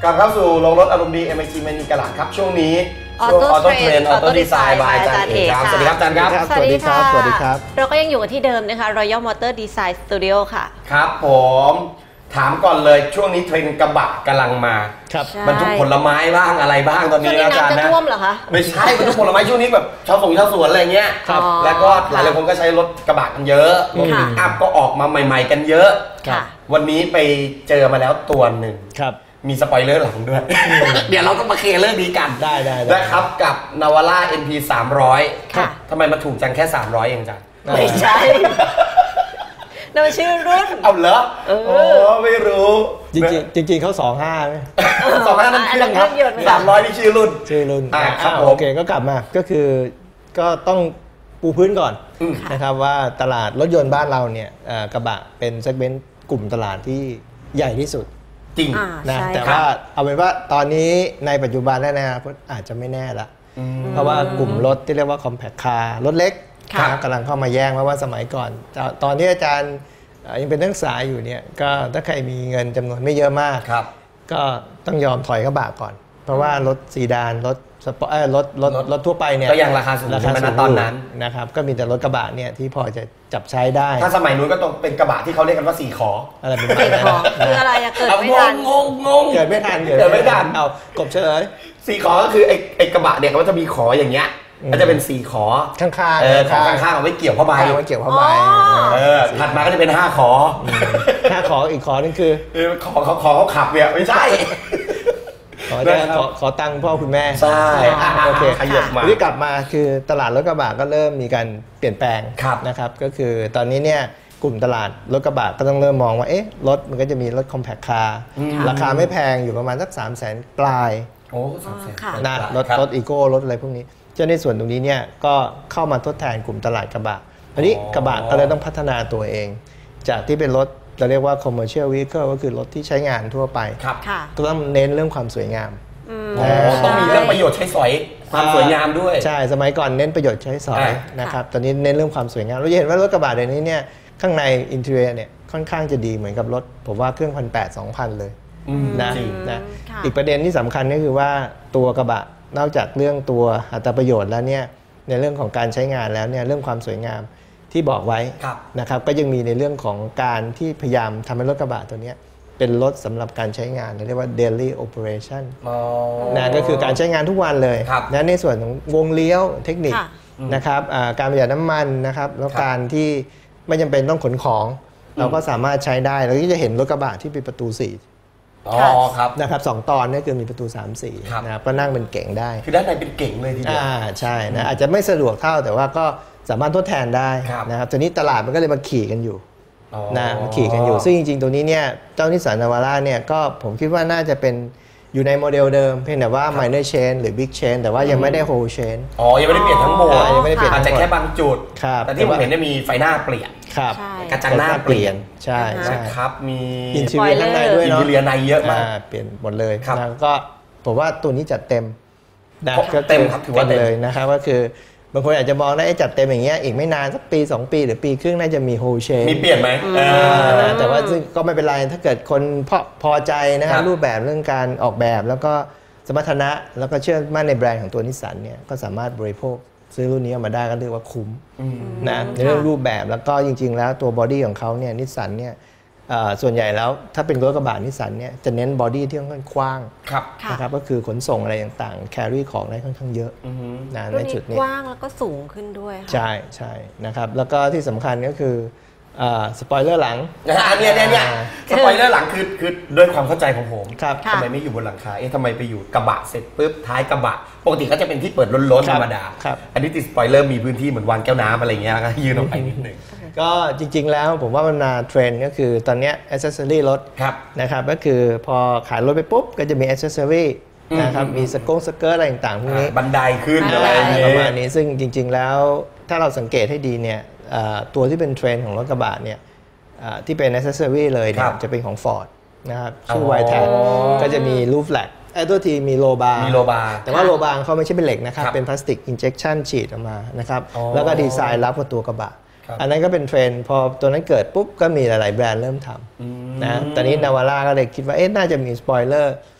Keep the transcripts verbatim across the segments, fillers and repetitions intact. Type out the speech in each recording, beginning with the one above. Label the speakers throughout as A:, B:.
A: กลับเข้าสู่โรงรถอารมณ์ดี เอ็ม ไอ จี เมนีกระหล่ำครับช่วงนี้
B: ออโต้
A: เทรนออโต้ดีไซน์บายอาจารย์เอกครับสวัสดีครับอาจารย์ครับ
B: สวัสดีครับ
C: สวัสดีครับ
B: เราก็ยังอยู่กันที่เดิมนะคะ Royal Motor Design Studio ค่ะ
A: ครับผมถามก่อนเลยช่วงนี้เทรนกระบะกำลังมา
C: ครับ
A: บรรทุกผลไม้บ้างอะไรบ้างตอนนี้นะอาจารย์นะ
B: ท่วมเหรอคะ
A: ไม่ใช่บรรทุกผลไม้ช่วงนี้แบบชาวสวนชาวสวนอะไรเงี้ยแล้วก็หลายคนก็ใช้รถกระบะกันเยอะรถปิกอัพก็ออกมาใหม่ๆกันเยอะวันนี้ไปเจอมาแล้วตัวหนึ่งมีสปอยเลอร์หลังด้วย เดี๋ยวเราต้องมาเคลียร์เรื่องนี้กัน
C: ได้ได้
A: นะครับกับนาวาร่า เอ็น พี สามร้อย
B: ค่ะ
A: ทำไมมาถูกจังแค่สามร้อยเองจัง
B: ไม่ใช่นั่นชื่อรุ่น
A: เอาเหรอเออไม่รู้
C: จริงจริงเขาสองห้าไหม
A: สองห้านั่นเครื่องครับสามร้อยนี่ชื่อรุ่น
C: ชื่อรุ่น
A: อ่าครับ
C: โอเคก็กลับมาก็คือก็ต้องปูพื้นก่อนนะครับว่าตลาดรถยนต์บ้านเราเนี่ยกระบะเป็นเซกเมนต์กลุ่มตลาดที่ใหญ่ที่สุด
A: จริง
C: นะแต่ว่าเอาเป็นว่าตอนนี้ในปัจจุบันแล้วนะอาจจะไม่แน่ละเพราะว่ากลุ่มรถที่เรียกว่า compact car รถเล็กกำลังเข้ามาแย่งเพราะว่าสมัยก่อนตอนที่อาจารย์ยังเป็นนักศึกษาอยู่เนี่ยก็ถ้าใครมีเงินจำนวนไม่เยอะมากก็ต้องยอมถอยกระบะก่อนเพราะว่ารถซีดานรถสปอร์ตรถรถรถทั่วไปเนี่ย
A: ก็ยังราคาสูง
C: ราคาสูง
A: ตอนนั้น
C: นะครับก็มีแต่รถกระบะเนี่ยที่พอจะจับใช้ได้
A: ถ้าสมัยนู้นก็ต้องเป็นกระบะที่เขาเรียกกันว่าสี่ขอ
C: อะไรเป็น
B: สี่ขอคืออะไรอะเกิดไม่ทัน
A: งงงง
C: เกิดไม่ทัน
A: เกิดไม่ทัน
C: เอากบเฉลย
A: สี่ขอก็คือไอ้ไอ้กระบะเนี่ยเขาจะมีขออย่างเงี้ยก็จะเป็นสี่ขอ
C: ข้างๆ
A: เออขอข้างๆเอาไว้เกี่ยวผ้าใบ
C: เอาไว้เกี่ยวผ้าใบ
A: เออถัดมาก็จะเป็นห้าขอ
C: ห้าขออีกขอนึงคือ
A: ขอเขาขอเขาขับเนี่ยไม่ใช่
C: ขอจะขอขอตังค์พ่อคุณแม่
A: ใช่
C: โอเค
A: ขยับมา
C: ที่กลับมาคือตลาดรถกระบะก็เริ่มมีการเปลี่ยนแปลงนะครับก็คือตอนนี้เนี่ยกลุ่มตลาดรถกระบะก็ต้องเริ่มมองว่าเอ๊ะรถมันก็จะมีรถ compact car ราคาไม่แพงอยู่ประมาณสัก สามแสน ปลาย
A: โอ้สามแสน
C: นะรถรถอีโก้รถอะไรพวกนี้เจ้าในส่วนตรงนี้เนี่ยก็เข้ามาทดแทนกลุ่มตลาดกระบะอันนี้กระบะก็เลยต้องพัฒนาตัวเองจากที่เป็นรถเราเรียกว่า commercial vehicle ก็คือรถที่ใช้งานทั่วไปก็ต้องเน้นเรื่องความสวยงาม
A: ต้องมีเรื่องประโยชน์ใช้สอยความสวยงามด้วย
C: ใช่สมัยก่อนเน้นประโยชน์ใช้สอยนะครับตอนนี้เน้นเรื่องความสวยงามเราจะเห็นว่ารถกระบะเดี๋ยวนี้เนี่ยข้างในอินเทอร์เนียเนี่ยค่อนข้างจะดีเหมือนกับรถผมว่าเครื่องพันแปดสองพันเลยนะนะอีกประเด็นที่สำคัญก็คือว่าตัวกระบะนอกจากเรื่องตัวอัตราประโยชน์แล้วเนี่ยในเรื่องของการใช้งานแล้วเนี่ยเรื่องความสวยงามที่บอกไว้นะครับก็ยังมีในเรื่องของการที่พยายามทำให้รถกระบะตัวนี้เป็นรถสำหรับการใช้งานเรียกว่า daily operation นะก็คือการใช้งานทุกวันเลยนะในส่วนของวงเลี้ยวเทคนิคนะครับการประหยัดน้ำมันนะครับแล้วการที่ไม่จำเป็นต้องขนของเราก็สามารถใช้ได้เราก็จะเห็นรถกระบะที่เป็นประตูสี่
A: อ๋อครับ
C: นะครับสองตอนนี่คือมีประตู สาม สี่นะครับก็นั่งเป็นเก๋งได้
A: คือด้านในเป็นเก๋งเลยทีเดียว
C: อ่าใช่นะอาจจะไม่สะดวกเท่าแต่ว่าก็สามารถทดแทนได้นะครับทีนี้ตลาดมันก็เลยมาขี่กันอยู่นะมาขี่กันอยู่ซึ่งจริงๆตัวนี้เนี่ยเจ้านิสสันนาวาร่าเนี่ยก็ผมคิดว่าน่าจะเป็นอยู่ในโมเดลเดิมเพียงแต่ว่า minor change หรือ big change แต่ว่ายังไม่ได้ whole change
A: อ๋อยังไม่ได้เปลี่ยนทั้งหมด
C: ยังไม่ได้เปลี่ยน
A: อาจจะแค่บางจุดแต่ที่ผมเห็นได้มีไฟหน้าเปลี่ยน
C: ครับ
A: กระจังหน้าเปลี่ยน
C: ใช่ใช่
A: ครับมี
C: อินทีเรียข้างในด้วยเนาะ
A: อินทีเรียในเยอะมาก
C: เปลี่ยนหมดเลยแล้วก็ผมว่าตัวนี้จัดเต็ม
A: นะก็เต็มครับถือว่าเต็ม
C: เลยนะครับก็คือบางคนอาจจะมองได้จัดเต็มอย่างเงี้ยอีกไม่นานสักปีสองปีหรือปีครึ่งน่าจะมีโฮเชน
A: มีเปลี่ยนไหม
C: แต่ว่าซึ่งก็ไม่เป็นไรถ้าเกิดคนพอพอใจนะครับรูปแบบเรื่องการออกแบบแล้วก็สมรรถนะแล้วก็เชื่อมั่นในแบรนด์ของตัวนิสสันเนี่ยก็สามารถบริโภคซื้อรุ่นนี้มาได้ก็เรียกว่าคุ้มนะในเรื่องรูปแบบแล้วก็จริงๆแล้วตัวบอดี้ของเขาเนี่ยนิสสันเนี่ยส่วนใหญ่แล้วถ้าเป็นรถกระบะนิสสันเนี่ยจะเน้นบอดี้ที่ค่อนข้างกว้างนะครับก็คือขนส่งอะไรต่างๆแครี่ของได้ค่อนข้างเยอะนะในจุดนี้
B: กว้างแล้วก็สูงขึ้นด้วย
C: ใช่ใช่นะครับแล้วก็ที่สำคัญก็คือสปอยเลอร์หลัง
A: อันนี้เนี่ยเนี่ยสปอยเลอร์หลังคือคือด้วยความเข้าใจของผมทำไมไม่อยู่บนหลังคาเอ๊ะทำไมไปอยู่กระบะเสร็จปุ๊บท้ายกระบะปกติเขาจะเป็นที่เปิดล้นๆธรรมดาอันนี้ติดสปอยเลอร์มีพื้นที่เหมือนวางแก้วน้ำอะไรเงี้ยแล้วก็ยืนออกไปนิดนึง
C: ก็จริงๆแล้วผมว่ามันมาเทรนด์ก็คือตอนนี้อ c เซสซอรี่รถนะครับก็คือพอขายรถไปปุ๊บก็จะมีอ c เซสซอรี่นะครับมีสกงสเกิร์ตอะไรต่างๆพวกนี้
A: บันไดขึ้นอะไร
C: ประมาณนี้ซึ่งจริงๆแล้วถ้าเราสังเกตให้ดีเนี่ยตัวที่เป็นเทรนด์ของรถกระบะเนี่ยที่เป็น accessory เลยเนี่ยจะเป็นของ Ford นะครับชื่อ White Tag ก็จะมีรูฟแลกไอ้ตัวทีมีโลบาร์
A: มีโลบาร์
C: แต่ว่าโลบาร์เขาไม่ใช่เป็นเหล็กนะครับเป็นพลาสติก injection ฉีดออกมานะครับแล้วก็ดีไซน์รับกับตัวกระบะอันนั้นก็เป็นเทรนด์พอตัวนั้นเกิดปุ๊บก็มีหลายๆแบรนด์เริ่มทำนะตอนนี้นาวาร่าก็เลยคิดว่าเอ๊ะน่าจะมีสปอยเลอร์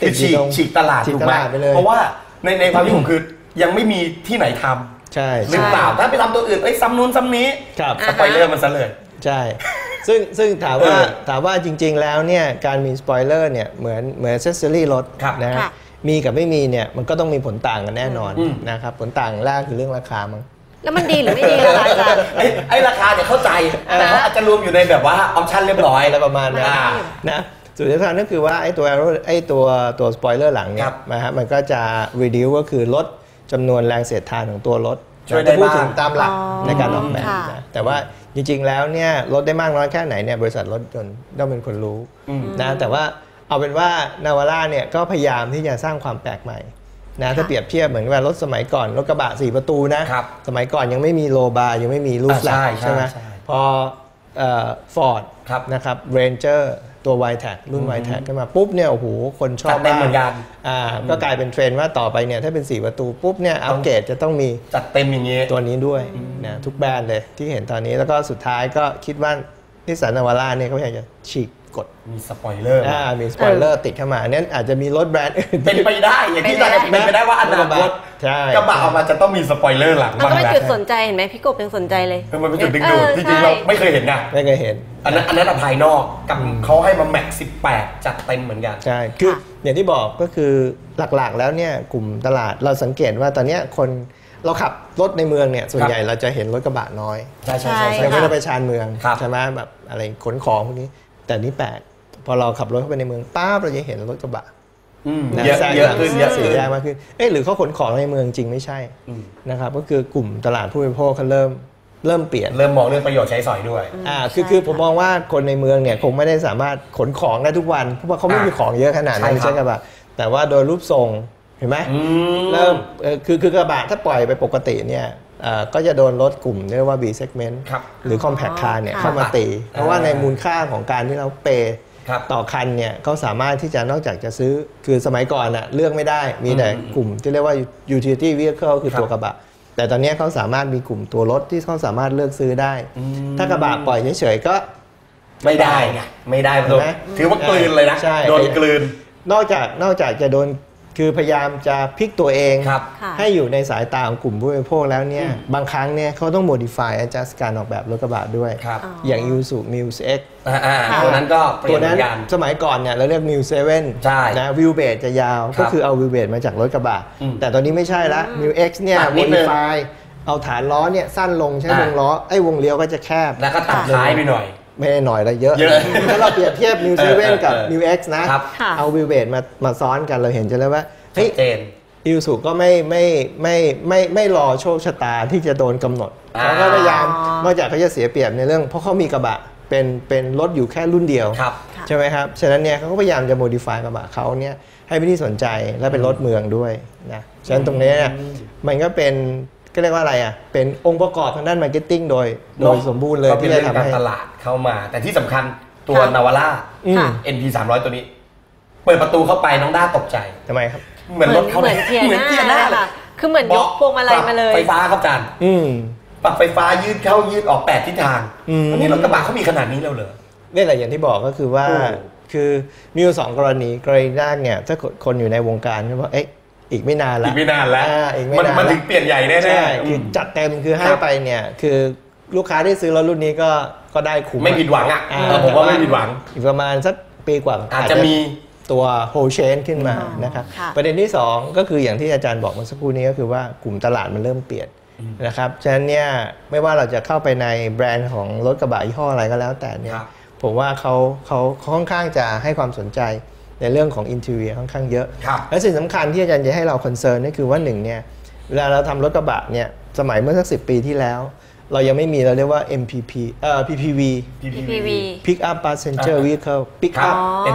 C: ติดอยู่ตรง
A: ฉีกตลาดถูกไหมเพราะว่าในในความที่ผมคือยังไม่มีที่ไหนทำ
C: ใช่
A: หรือเปล่าถ้าไปทำตัวอื่นเอ้ยซ้ำนู้นซ้ำนี้สปอยเลอร์มันซะเลย
C: ใช่ซึ่งซึ่งถามว่าถามว่าจริงๆแล้วเนี่ยการมีสปอยเลอร์เนี่ยเหมือนเหมือนเซสซอรี่รถนะมีกับไม่มีเนี่ยมันก็ต้องมีผลต่างกันแน่นอนนะครับผลต่างแรกคือเรื่องราคามั้ง
B: แล้วมันดีหรือไม่ดีล่ะอาจารย์
A: ไอ้ราคาเนี่ยเข้าใจแต่เขาอาจจะรวมอยู่ในแบบว่าออปชั่นเรียบร้อย
C: อะไรประมาณนั้นนะสุดท้ายนั่นคือว่าไอ้ตัวไอ้ตัวตัวสปอยเลอร์หลังเนี่ยนะฮะมันก็จะ reduce ก็คือลดจำนวนแรงเสียดทานของตัวรถจะพูดถึงตามหลักในการออกแบบนะแต่ว่าจริงๆแล้วเนี่ยลดได้มากน้อยแค่ไหนเนี่ยบริษัทรถยนต์ต้องเป็นคนรู้นะแต่ว่าเอาเป็นว่านาวาร่าเนี่ยก็พยายามที่จะสร้างความแปลกใหม่นะถ้าเปรียบเทียบเหมือนว่ารถสมัยก่อนรถกระบะสี่ประตูนะสมัยก่อนยังไม่มีโลบาร์ยังไม่มีลูฟแลกใช่ไหมพอฟอร์ดนะครับเรนเจอร์ตัว วาย แท็ก รุ่น วาย แท็ก ขึ้นมาปุ๊บเนี่ยโอ้โหคนชอบมากเหมือนกันอ่าก็กลายเป็นเทรนด์ว่าต่อไปเนี่ยถ้าเป็นสี่ประตูปุ๊บเนี่ยอัปเกรดจะต้องมี
A: จัดเต็มอย่างนี้
C: ตัวนี้ด้วยนะทุกแบรนด์เลยที่เห็นตอนนี้แล้วก็สุดท้ายก็คิดว่านิสสันนาวาร่าเนี่ยเขาอยากจะฉีกกฎ
A: มีสปอยเลอร์
C: อ่ามีสปอยเลอร์ติดเข้ามาเนี่ยอาจจะมีรถแบรนด์อื่น
A: เป็นไปได้อย่างที่เราเป็นไปได้ว่าอนาคตกระบะออกมาจะต้องมีสปอยเลอร์หลัง
B: มันก็เป็นจุดสนใจเห็นไหมพี่กบยังสนใจเลย
A: มันเป็นจุดดึงดูดจริงๆเราไม่เคยเห็นนะ
C: ไม่เคยเห็น
A: อันนั้นอันนั้นภายนอกกับเขาให้มาแม็กสิบแปดจัดเต็มเหมือนกัน
C: ใช่คืออย่างที่บอกก็คือหลักๆแล้วเนี่ยกลุ่มตลาดเราสังเกตว่าตอนนี้คนเราขับรถในเมืองเนี่ยส่วนใหญ่เราจะเห็นรถกระบะน้อย
A: ใช่ใช่ใช่
C: ไม่ได้ไปชานเมืองใช่ไหมแบบอะไรขนของพวกนี้แต่นี่แปลกพอเราขับรถเข้าไปในเมืองป้าเราจะเห็นรถกระบะ
A: เยอะเยอะขึ้นเยอะ
C: สีแยกมากขึ้นเอ๊ะหรือเขาขนของในเมืองจริงไม่ใช่นะครับก็คือกลุ่มตลาดผู้บริโภคเขาเริ่มเริ่มเปลี่ยน
A: เริ่มมองเรื่องประโยชน์ใช้สอยด้วย
C: อ่าคือคือผมมองว่าคนในเมืองเนี่ยคงไม่ได้สามารถขนของได้ทุกวันเพราะว่าเขาไม่มีของเยอะขนาดนั้นใช่กระบะแต่ว่าโดยรูปทรงเห็นไหมเริ่มคือคือกระบะถ้าปล่อยไปปกติเนี่ยก็จะโดนรถกลุ่มเรียกว่า B segment หรือ compact car เนี่ยเข้ามาตีเพราะว่าในมูลค่าของการที่เราเปย์ต่อคันเนี่ยเขาสามารถที่จะนอกจากจะซื้อคือสมัยก่อนอะเลือกไม่ได้มีแต่กลุ่มที่เรียกว่า utility vehicle คือตัวกระบะแต่ตอนนี้เขาสามารถมีกลุ่มตัวรถที่เขาสามารถเลือกซื้อได้ถ้ากระบะปล่อยเฉยๆก็
A: ไม่ได้ไงไม่ได้ถือว่ากลืนเลยนะโดนกลืน
C: นอกจากนอกจากจะโดนคือพยายามจะพลิกตัวเองให้อยู่ในสายตาของกลุ่มผู้บริโภคแล้วเนี่ยบางครั้งเนี่ยเขาต้อง modify adjust การออกแบบรถกระบะด้วยอย่าง Isuzu Muse X
A: ตัวนั้นก็เปลี่ยนกัน
C: สมัยก่อนเนี่ยเราเรียก Muse เซเว่นนะวิวเบสจะยาวก็คือเอาวิวเบสมาจากรถกระบะแต่ตอนนี้ไม่ใช่ละ Muse X เนี่ย modify เอาฐานล้อเนี่ยสั้นลงใช้วงล้อไอ้วงเลี้ยวก็จะแคบ
A: แล้วก็ตัดท้ายไปหน่อย
C: ไม่ได้หน่อยแล้วเยอะถ้าเราเปรียบเทียบ Muse เซเว่นกับ Muse X นะเอาวิวเบสมามาซ้อนกันเราเห็นจะเลยว่าเฮ้ยอิลสุก็ไม่ไม่ไม่ไม่ไม่รอโชคชะตาที่จะโดนกำหนดเขาก็พยายามนอกจากเขาจะเสียเปรียบในเรื่องเพราะเขามีกระบะเป็นเป็นรถอยู่แค่รุ่นเดียวใช่ไหมครับฉะนั้นเนี่ยเขาก็พยายามจะโมดิฟายกระบะเขาเนี่ยให้เป็นที่สนใจและเป็นรถเมืองด้วยนะฉะนั้นตรงนี้เนี่ยมันก็เป็นก็เรียกว่าอะไรอ่ะเป็นองค์ประกอบทางด้านมาร์เก็ตติ้งโดยโดยสมบูรณ์เลย
A: ที่จะทำให้ตลาดเข้ามาแต่ที่สำคัญตัวนาวาร่า เอ็น พี สามร้อยตัวนี้เปิดประตูเข้าไปน้องด้าตกใจ
C: ทำไมครับ
A: เหมือนรถเขาเหมือน
B: เทียร์หน้าค่ะคือเหมือนยกพวงมาลัยมาเลย
A: ไฟฟ้าครับอาจารย์ปรับไฟฟ้ายืดเข้ายืดออกแปดทิศทางอันนี้รถกระบะเขามีขนาดนี้แล้วเหรอ
C: นี่แหละอย่างที่บอกก็คือว่าคือมีอยู่สองกรณีกรณีแรกเนี่ยถ้าคนอยู่ในวงการก็ว่าเอ๊ะอีกไม่นานแล้ว
A: อีกไม่นานแล้วมันถึงเปลี่ยนใหญ่แน่
C: ๆคือจัดเต็มคือให้ไปเนี่ยคือลูกค้าที่ซื้อรถรุ่นนี้ก็ก็ได้คุ้ม
A: ไม่ผิดหวังอ่ะผมว่าไม่ผิดหวัง
C: อีกประมาณสักปีกว่า
A: อาจจะมี
C: ตัวโฮเชนขึ้นมานะครับประเด็นที่สองก็คืออย่างที่อาจารย์บอกเมื่อสักครู่นี้ก็คือว่ากลุ่มตลาดมันเริ่มเปลี่ยนนะครับฉะนั้นเนี่ยไม่ว่าเราจะเข้าไปในแบรนด์ของรถกระบะยี่ห้ออะไรก็แล้วแต่เนี่ยผมว่าเขาเขาค่อนข้างจะให้ความสนใจในเรื่องของอินทีเรียค่อนข้างเยอะและสิ่งสำคัญที่อาจารย์จะให้เราคอนเซิร์นนี่คือว่าหนึ่งเนี่ยเวลาเราทำรถกระบะเนี่ยสมัยเมื่อสักสิบปีที่แล้วเรายังไม่มีเราเรียกว่า เอ็ม พี พี เอ่อ พี พี วี
B: พี พี วี
C: Pick up passenger vehicle Pick up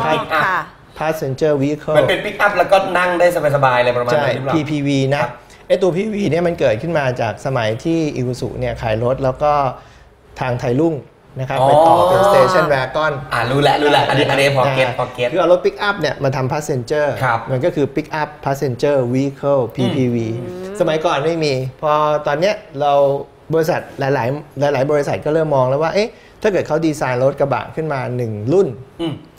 C: passenger vehicle
A: มันเป็น Pick up แล้วก็นั่งได้สบายๆอะไรประมาณนั้น
C: พี พี วี นะไอตัว พี พี วี เนี่ยมันเกิดขึ้นมาจากสมัยที่อิวสุเนี่ยขายรถแล้วก็ทางไทยรุ่งนะครับไปต่อเป็น station wagon
A: อ่ารู้แล้วรู้แล้วอันนี้อันนี้พอเก็ตพอเก็ต
C: คือเอารถ Pick up เนี่ยมาทำ passenger มันก็คือ Pick up passenger vehicle พี พี วี สมัยก่อนไม่มีพอตอนเนี้ยเราบริษัทหลายๆหลายๆบริษัทก็เริ่มมองแล้วว่าเอ๊ะถ้าเกิดเขาดีไซน์รถกระบะขึ้นมาหนึ่งรุ่น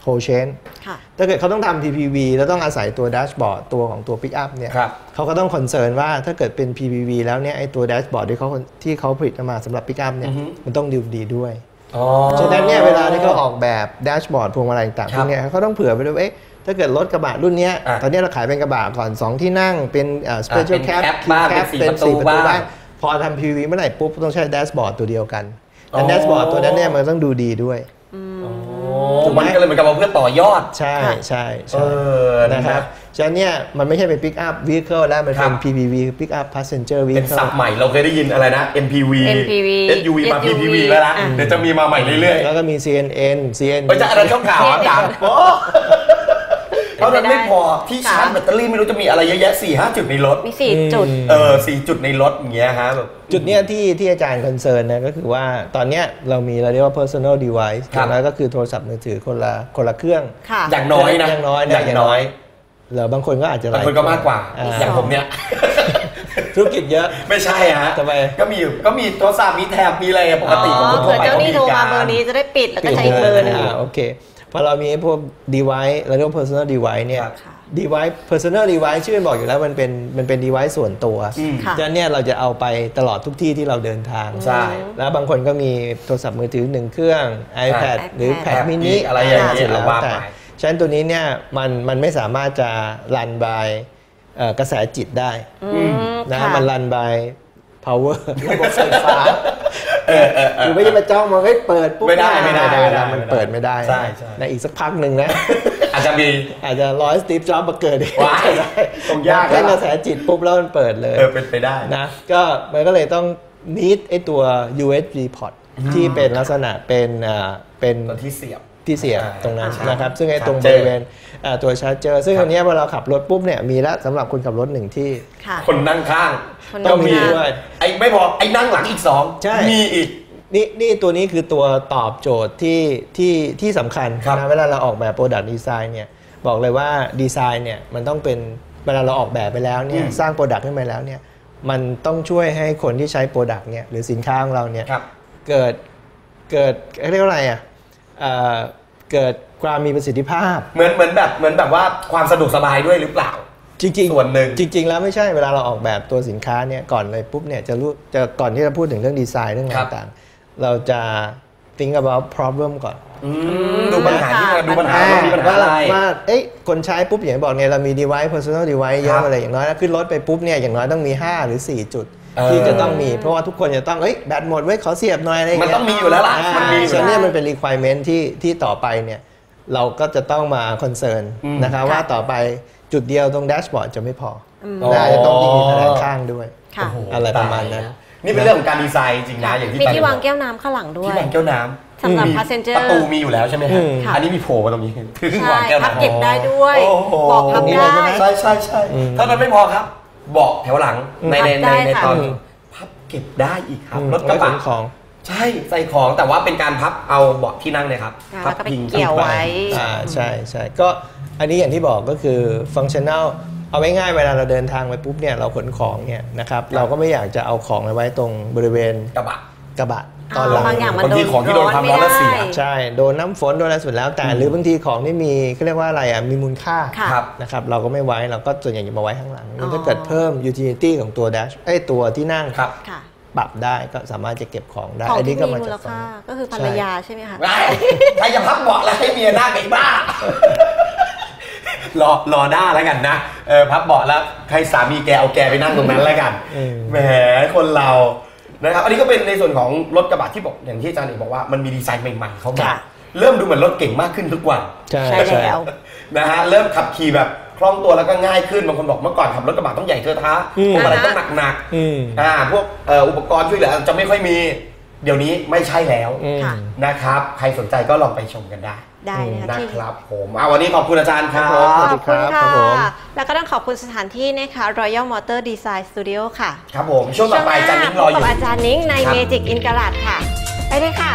C: whole chain ถ้าเกิดเขาต้องทำ พี พี วี แล้วต้องอาศัยตัวแดชบอร์ดตัวของตัว Pick Up เนี่ยเขาก็ต้องคอนเซิร์นว่าถ้าเกิดเป็น พี พี วี แล้วเนี่ยไอ้ตัวแดชบอร์ดที่เขาที่เขาผลิตมาสำหรับ Pick Up เนี่ยมันต้องดีดีด้วยฉะนั้นเนี่ยเวลาที่เขาออกแบบแดชบอร์ดพวงมาลัยต่างๆพวกนี้เขาต้องเผื่อไปด้วยว่าถ้าเกิดรถกระบะรุ่นนี้ตอนนี้เราขายเป็นกระบะก่อนสองที่นั่งเป็น special cab เป็นสี่ประตูบ้างพอทำ พี พี วี เมื่อไหร่ปุ๊บต้องใช้แดชบอร์ดตัวเดียวกันแต่แดชบอร์ดตัวนั้นเนี่ยมันต้องดูดีด้วย
A: มันก็เลยเหมือนกับว่าเพื่อต่อยอด
C: ใช่ใช่ใช่นะครับฉะนั้นเนี่ยมันไม่ใช่เป็น Pick Up Vehicle แล้วมันเป็น พี พี วี Pick Up Passenger Vehicle
A: เป็นศัพท์ใหม่เราเคยได้ยินอะไรนะ เอ็ม พี วี เอส ยู วี มา พี พี วี แล้วนะเดี๋ยวจะมีมาใหม่เรื่อยๆ
C: แล้วก็มี ซี เอ็น เอ็น ซี เอ็น
A: เฮ้ยจะอะไรช่องข่าวอ่ะโอ้เท่านั้นไม่พอที่ชาร์จแบตเตอรี่ไม่รู้จะมีอะไรเยอะแยะ สี่ห้า จุดในรถ
B: มีสี่จุด
A: เออสี่จุดในรถอย่างเงี้ยฮะแบบ
C: จุดเนี้ยที่ที่อาจารย์คอนเซิร์นนะก็คือว่าตอนเนี้ยเรามีเราเรียกว่า personal device แล้วก็คือโทรศัพท์มือถือคนละคนละเครื่อง
A: อย่างน้อยนะ
C: อย่างน้อย
A: อย่างน้อย
C: หรือบางคนก็อาจจะหลาย
A: บางคนก็มากกว่าอย่างผมเนี่ย
C: ธุรกิจเยอะ
A: ไม่ใช่ฮะ
C: ทำไม
A: ก็มีก็มีโทรศัพท์มีแถบมีอะไรปกติของคนทั่วไป
B: เจ้านี่โทรมาเบอร์นี้จะได้ปิดแล้วก็ใช้อีกเบอร์นึง
C: โอเคพอเรามีพวก device เราเรียกว่า personal device เนี่ย device personal device ชื่อบอกอยู่แล้วมันเป็นมันเป็น device ส่วนตัวฉะนั้นเนี่ยเราจะเอาไปตลอดทุกที่ที่เราเดินทาง
A: ใช่
C: แล้วบางคนก็มีโทรศัพท์มือถือหนึ่งเครื่อง iPad หรือ Pad mini
A: อะไรอย่างเงี้ยแล้ว
C: แต่ฉะนั้นตัวนี้เนี่ยมันมันไม่สามารถจะรัน by กระแสจิตได้นะมันรัน by power ระบบไฟฟ้าคือไม่ใช่มาจ้องมาให้เปิดปุ๊บ
A: ไม่ได้ไม่ได้
C: มันเปิดไม่ได้
A: ใช่
C: ในอีกสักพักหนึ่งนะ
A: อาจจะมี
C: อาจจะร้อยสตีฟจ็อบส์มาเกิด
A: ว้ายตรงยาก
C: ให้กระแสจิตปุ๊บแล้วมันเปิดเลย
A: เออเป็นไปได้
C: นะก็มันก็เลยต้อง need ไอตัว ยู เอส บี port ที่เป็นลักษณะเป็นอ่าเป็น
A: ที่เสียบ
C: ที่เสียบตรงนั้นนะครับซึ่งไอ้ตรงบริเวณตัวชาร์จเจอร์ซึ่งอันนี้เวลาเราขับรถปุ๊บเนี่ยมีแล้วสำหรับคนขับรถหนึ่งที่
A: คนนั่งข้าง
C: ต้องมีด้วย
A: ไอ้ไม่พอไอ้นั่งหลังอีกสองมีอีก
C: นี่นี่ตัวนี้คือตัวตอบโจทย์ที่ที่ที่สำคัญนะเวลาเราออกแบบ Product Design เนี่ยบอกเลยว่าดีไซน์เนี่ยมันต้องเป็นเวลาเราออกแบบไปแล้วเนี่ยสร้าง Product ขึ้นมาแล้วเนี่ยมันต้องช่วยให้คนที่ใช้ Product เนี่ยหรือสินค้าของเราเนี่ยเกิดเกิดเรียกว่าอะไรอ่ะเกิดความมีประสิทธิภาพ
A: เหมือนเหมือนแบบเหมือนแบบว่าความสะดวกสบายด้วยหรือเปล่า
C: จริงๆ
A: ส่วนหนึ่ง
C: จริงๆแล้วไม่ใช่เวลาเราออกแบบตัวสินค้าเนี่ยก่อนเลยปุ๊บเนี่ยจะรู้จะก่อนที่จะพูดถึงเรื่องดีไซน์เรื่องต่างๆเราจะ think about problem ก่อน
A: ดูปัญหาที่ดูปัญหามีปัญหาอะไร
C: ว่าเอ๊ะคนใช้ปุ๊บอย่างบอกเนี่ยเรามี device personal device เยอะอะไรอย่างน้อยขึ้นรถไปปุ๊บเนี่ยอย่างน้อยต้องมีห้าหรือสี่จุดที่จะต้องมีเพราะว่าทุกคนจะต้องเอ้ยแบตหมดไว้ขอเสียบหน่อยอะไรอย่าง
A: เงี้ยมันต้องมีอยู่แล้วล่ะ
C: มันมีฉะนั้นมันเป็น requirement ที่ที่ต่อไปเนี่ยเราก็จะต้องมาคอนเซิร์นนะครับว่าต่อไปจุดเดียวตรงแดชบอร์ดจะไม่พอน่าจะต้องมีแผงข้างด้วยอะไรประมาณนั้น
A: นี่เป็นเรื่องของการดีไซน์จริงนะอย่างที่
B: มีที่วางแก้วน้ำข้างหลังด้วย
A: ที่วางแก้วน้ำ
B: สำหรับ passenger
A: ประตูมีอยู่แล้วใช่ไหมครับอันนี้มีโผล่มาตรงนี้
B: ถึงวางแก้วน้ำพับเก็บได้ด้วยเบาะพับได้
A: ใช่ใช่ใช่เท่านั้นไม่พอครับเบาะแถวหลังในในในในตอนพับเก็บได้อีกครับรถกระบะ
C: ของ
A: ใช่ใส่ของแต่ว่าเป็นการพับเอาเบาะที่นั่งเนี่ยครับ
B: พับพิงเกี่ยวไว้
C: อ่าใช่ใช่ก็อันนี้อย่างที่บอกก็คือฟังก์ชันแนลเอาไว้ง่ายเวลาเราเดินทางไปปุ๊บเนี่ยเราขนของเนี่ยนะครับเราก็ไม่อยากจะเอาของไว้ตรงบริเวณ
A: กระบะ
C: กระบะตอนหลัง
B: บางอย่างมันโดน
A: ของที่โดนความร้อนแล้วเสีย
C: ใช่โดนน้ำฝนโดนอะไรสุดแล้วแต่หรือบางทีของที่มีเขาเรียกว่าอะไรอ่ะมีมูลค่านะครับเราก็ไม่ไว้เราก็ส่วนใหญ่จะมาไว้ข้างหลังถ้าเกิดเพิ่ม utility ของตัว dash ไอ้ตัวที่นั่งปรับได้ก็สามารถจะเก็บของได้
B: อันนี้ก็มาจากก็คือภรรยาใช่ไหมคะ
A: ใครจะพับเบาะแล้วให้เมียนั่งไอ้บ้ารอรอหน้าแล้วกันนะเออพับเบาะแล้วใครสามีแกเอาแกไปนั่งตรงนั้นแล้วกันแหมคนเรานะครับอันนี้ก็เป็นในส่วนของรถกระบะที่บอกอย่างที่อาจารย์เอกบอกว่ามันมีดีไซน์ใหม่ๆเข้ามาเริ่มดูเหมือนรถเก่งมากขึ้นทุกวัน
C: ใช่
B: แล้ว
A: นะฮะเริ่มขับขี่แบบคล่องตัวแล้วก็ง่ายขึ้นบางคนบอกเมื่อก่อนขับรถกระบะต้องใหญ่เทอะทะพวกอะไรต้องหนักๆอ่าพวกอุปกรณ์ช่วยเหลือจะไม่ค่อยมีเดี๋ยวนี้ไม่ใช่แล้วนะครับใครสนใจก็ลองไปชมกันได้
B: ได้
A: นะครับผมเอาวันนี้ขอบคุณอาจารย์ครับ
B: ขอบคุณค่ะแล้วก็ต้องขอบคุณสถานที่นะคะ Royal Motor Design Studio ค่ะ
A: ครับผมช่วงต่อไปอาจารย์นิ้งรออยู่
B: กับอาจารย์นิ้งใน Magic in Garage ค่ะไปเลยค่ะ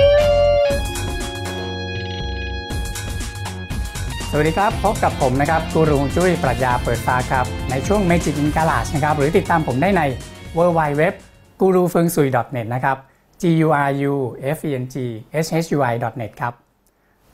D: สวัสดีครับพบกับผมนะครับกูรูจุ้ยปรัชญาเปิดฟ้าครับในช่วง Magic in Garage นะครับหรือติดตามผมได้ใน ดับเบิลยู ดับเบิลยู ดับเบิลยู ดอท กูรูเฟิงซุย ดอท เน็ต นะครับ จี ยู อาร์ ยู เอฟ อี เอ็น จี เอช เอช ยู ไอ ดอท เน็ต ครับ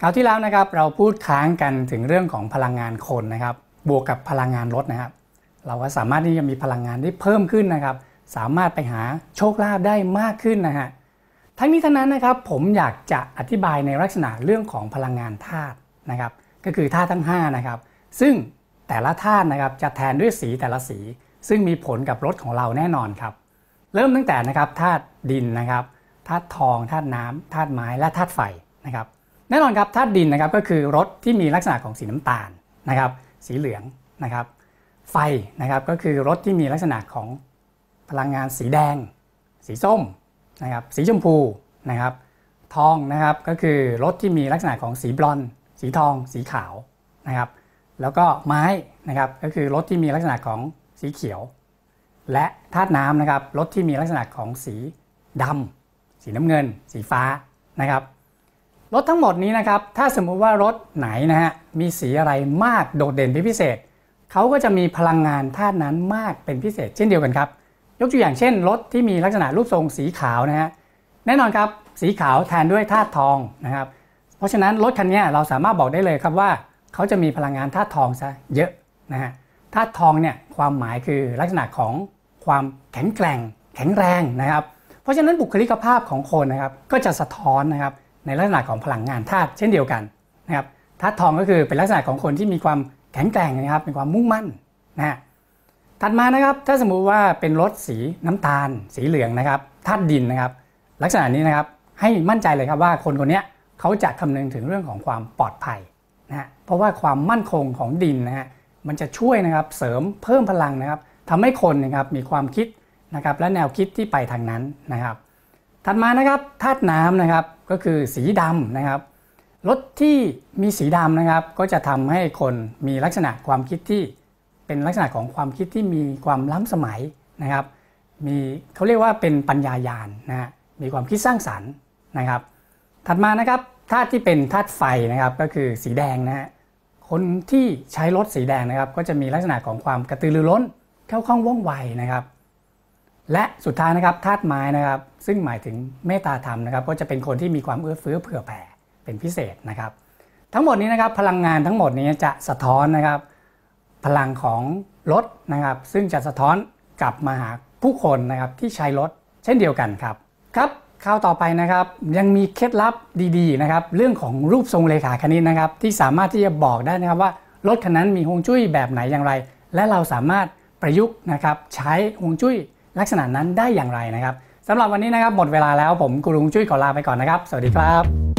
D: คราวที่แล้วนะครับเราพูดค้างกันถึงเรื่องของพลังงานคนนะครับบวกกับพลังงานรถนะครับเราก็สามารถที่จะมีพลังงานที่เพิ่มขึ้นนะครับสามารถไปหาโชคลาภได้มากขึ้นนะฮะทั้งนี้ทั้งนั้นนะครับผมอยากจะอธิบายในลักษณะเรื่องของพลังงานธาตุนะครับก็คือธาตุทั้งห้านะครับซึ่งแต่ละธาตุนะครับจะแทนด้วยสีแต่ละสีซึ่งมีผลกับรถของเราแน่นอนครับเริ่มตั้งแต่นะครับธาตุดินนะครับธาตุทองธาตุน้ำธาตุไม้และธาตุไฟนะครับแน่นอนครับธาตุดินนะครับก็คือรถที่มีลักษณะของสีน้ำตาลนะครับสีเหลืองนะครับไฟนะครับก็คือรถที่มีลักษณะของพลังงานสีแดงสีส้มนะครับสีชมพูนะครับทองนะครับก็คือรถที่มีลักษณะของสีบลอนด์สีทองสีขาวนะครับแล้วก็ไม้นะครับก็คือรถที่มีลักษณะของสีเขียวและธาตุน้ำนะครับรถที่มีลักษณะของสีดำสีน้ำเงินสีฟ้านะครับรถทั้งหมดนี้นะครับถ้าสมมุติว่ารถไหนนะฮะมีสีอะไรมากโดดเด่นเป็นพิเศษเขาก็จะมีพลังงานธาตุนั้นมากเป็นพิเศษเช่นเดียวกันครับยกตัวอย่างเช่นรถที่มีลักษณะรูปทรงสีขาวนะฮะแน่นอนครับสีขาวแทนด้วยธาตุทองนะครับเพราะฉะนั้นรถคันนี้เราสามารถบอกได้เลยครับว่าเขาจะมีพลังงานธาตุทองซะเยอะนะฮะธาตุทองเนี่ยความหมายคือลักษณะของความแข็งแกร่งแข็งแรงนะครับเพราะฉะนั้นบุคลิกภาพของคนนะครับก็จะสะท้อนนะครับในลักษณะของพลังงานธาตุเช่นเดียวกันนะครับธาตุทองก็คือเป็นลักษณะของคนที่มีความแข็งแกร่งนะครับเป็นความมุ่งมั่นนะฮะถัดมานะครับถ้าสมมุติว่าเป็นรถสีน้ำตาลสีเหลืองนะครับธาตุดินนะครับลักษณะนี้นะครับให้มั่นใจเลยครับว่าคนคนนี้เขาจะคำนึงถึงเรื่องของความปลอดภัยนะฮะเพราะว่าความมั่นคงของดินนะฮะมันจะช่วยนะครับเสริมเพิ่มพลังนะครับทำให้คนนะครับมีความคิดนะครับและแนวคิดที่ไปทางนั้นนะครับถัดมานะครับธาตุน้ำนะครับก็คือสีดำนะครับรถที่มีสีดำนะครับก็จะทำให้คนมีลักษณะความคิดที่เป็นลักษณะของความคิดที่มีความล้ำสมัยนะครับมีเขาเรียกว่าเป็นปัญญายาณนะฮะมีความคิดสร้างสรรค์นะครับถัดมานะครับธาตุที่เป็นธาตุไฟนะครับก็คือสีแดงนะฮะคนที่ใช้รถสีแดงนะครับก็จะมีลักษณะของความกระตือรือร้นเข้าคล่องว่องไวนะครับและสุดท้ายนะครับธาตุไม้นะครับซึ่งหมายถึงเมตตาธรรมนะครับก็จะเป็นคนที่มีความเอื้อเฟื้อเผื่อแผ่เป็นพิเศษนะครับทั้งหมดนี้นะครับพลังงานทั้งหมดนี้จะสะท้อนนะครับพลังของรถนะครับซึ่งจะสะท้อนกลับมาหาผู้คนนะครับที่ใช้รถเช่นเดียวกันครับครับคราวต่อไปนะครับยังมีเคล็ดลับดีๆนะครับเรื่องของรูปทรงเลขาคณิตนะครับที่สามารถที่จะบอกได้นะครับว่ารถคันนั้นมีฮวงจุ้ยแบบไหนอย่างไรและเราสามารถประยุกต์นะครับใช้ฮวงจุ้ยลักษณะนั้นได้อย่างไรนะครับสำหรับวันนี้นะครับหมดเวลาแล้วผมกูรูฮวงจุ้ยขอลาไปก่อนนะครับสวัสดีครับ